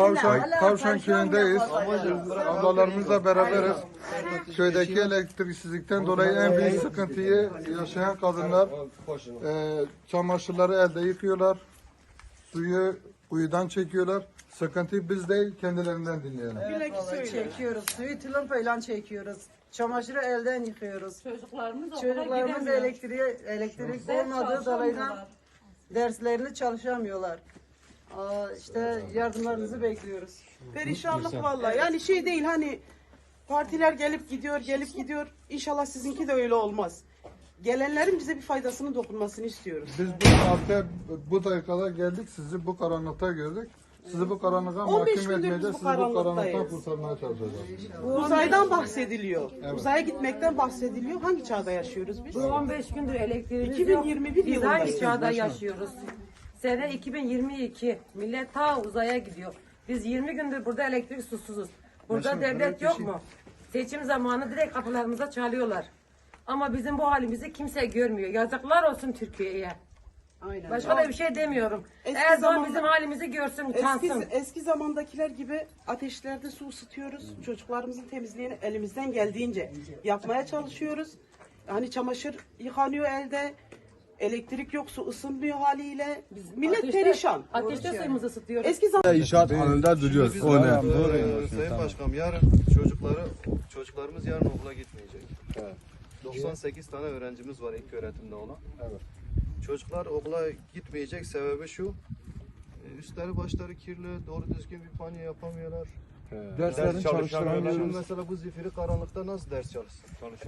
Tavşan köyündeyiz. Ablalarımızla beraberiz. Köydeki elektriksizlikten dolayı en büyük sıkıntıyı yaşayan kadınlar çamaşırları elde yıkıyorlar. Suyu kuyudan çekiyorlar. Sıkıntıyı biz değil kendilerinden dinleyelim. Suyu çekiyoruz. Suyu tılımпayla çekiyoruz. Çamaşırı elden yıkıyoruz. Çocuklarımız elektrik olmadığı dolayı derslerini çalışamıyorlar. İşte yardımlarınızı bekliyoruz. Perişanlık vallahi. Yani şey değil hani partiler gelip gidiyor. İnşallah sizinki de öyle olmaz. Gelenlerin bize bir faydasının dokunmasını istiyoruz. Biz bu saatte bu dakikada geldik, sizi bu karanlıkta gördük. Sizi bu karanlığa 15 mahkum gündür etmeyeceğiz, biz bu sizi bu karanlıktan karanlıktayız. kurtarmaya çalışacağız. Uzaydan bahsediliyor. Uzaya gitmekten bahsediliyor. Hangi çağda yaşıyoruz biz? Bu 15 gündür elektriğimiz 2021 yok. Biz yılındayız. hangi çağda yaşıyoruz? Sene 2022. Millet ta uzaya gidiyor. Biz 20 gündür burada elektrik susuzuz. Burada devlet yok mu? Seçim zamanı direkt kapılarımıza çalıyorlar. Ama bizim bu halimizi kimse görmüyor. Yazıklar olsun Türkiye'ye. Aynen. Başka da bir şey demiyorum. Eski Erdoğan zamanda- bizim halimizi görsün, utansın. Eski zamandakiler gibi ateşlerde su ısıtıyoruz. Çocuklarımızın temizliğini elimizden geldiğince yapmaya çalışıyoruz. Hani çamaşır yıkanıyor elde. Elektrik yok, su ısınmıyor haliyle. Millet perişan. Ateşte suyumuzu ısıtıyoruz. Eski zaman İnşaat alanında duruyoruz. O ne? Sayın Başkanım yarın çocuklarımız yarın okula gitmeyecek. Evet. 98 tane öğrencimiz var ilk öğretimde olan. Evet. Çocuklar okula gitmeyecek sebebi şu. Üstleri başları kirli, doğru düzgün bir banyo yapamıyorlar. Derslerini Şimdi çalıştıramıyoruz. mesela bu zifiri karanlıkta nasıl ders çalışsın?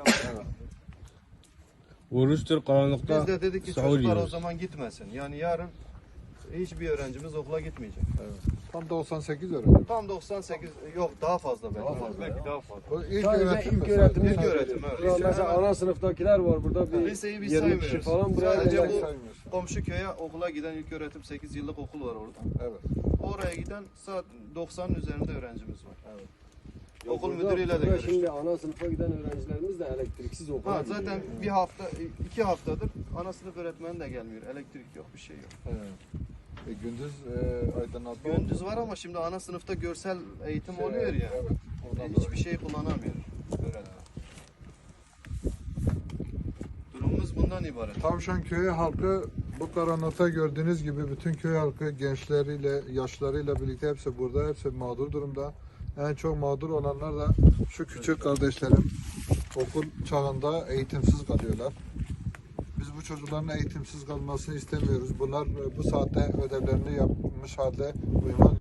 Oruçtur karanlıkta. Biz de dedik ki sahur çocuklar o yiyoruz. zaman gitmesin. Yani yarın hiçbir öğrencimiz okula gitmeyecek. Tam 98 öğrenci. Tam 98 yok daha fazla belki. Daha fazla. Bu ilk Sadece öğretim mi? ilk öğretim. İlk öğretim evet. Mesela ana sınıftakiler var burada bir Liseyi biz 20 kişi saymıyoruz. falan buraya Sadece gelen. bu saymıyorsun. komşu köye okula giden ilk öğretim 8 yıllık okul var orada. Evet. Oraya giden saat 90'ın üzerinde öğrencimiz var. Evet. Okul Burada- müdürüyle de burada görüştük. Şimdi ana sınıfa giden öğrencilerimiz de elektriksiz okula Ha, gidiyor. zaten bir hafta, 2 haftadır ana sınıf öğretmeni de gelmiyor. Elektrik yok, bir şey yok. Evet. Gündüz aydınlatma Gündüz var ama şimdi ana sınıfta görsel eğitim Şey, oluyor ya. evet, ondan Hiçbir şey kullanamıyor öğretmen. Durumumuz bundan ibaret. Tavşan köyü halkı bu karanlıkta gördüğünüz gibi bütün köy halkı gençleriyle, yaşlarıyla birlikte hepsi burada, hepsi mağdur durumda. En çok mağdur olanlar da şu küçük kardeşlerim okul çağında eğitimsiz kalıyorlar. Biz bu çocukların eğitimsiz kalmasını istemiyoruz. Bunlar bu saatte ödevlerini yapmış halde uyumak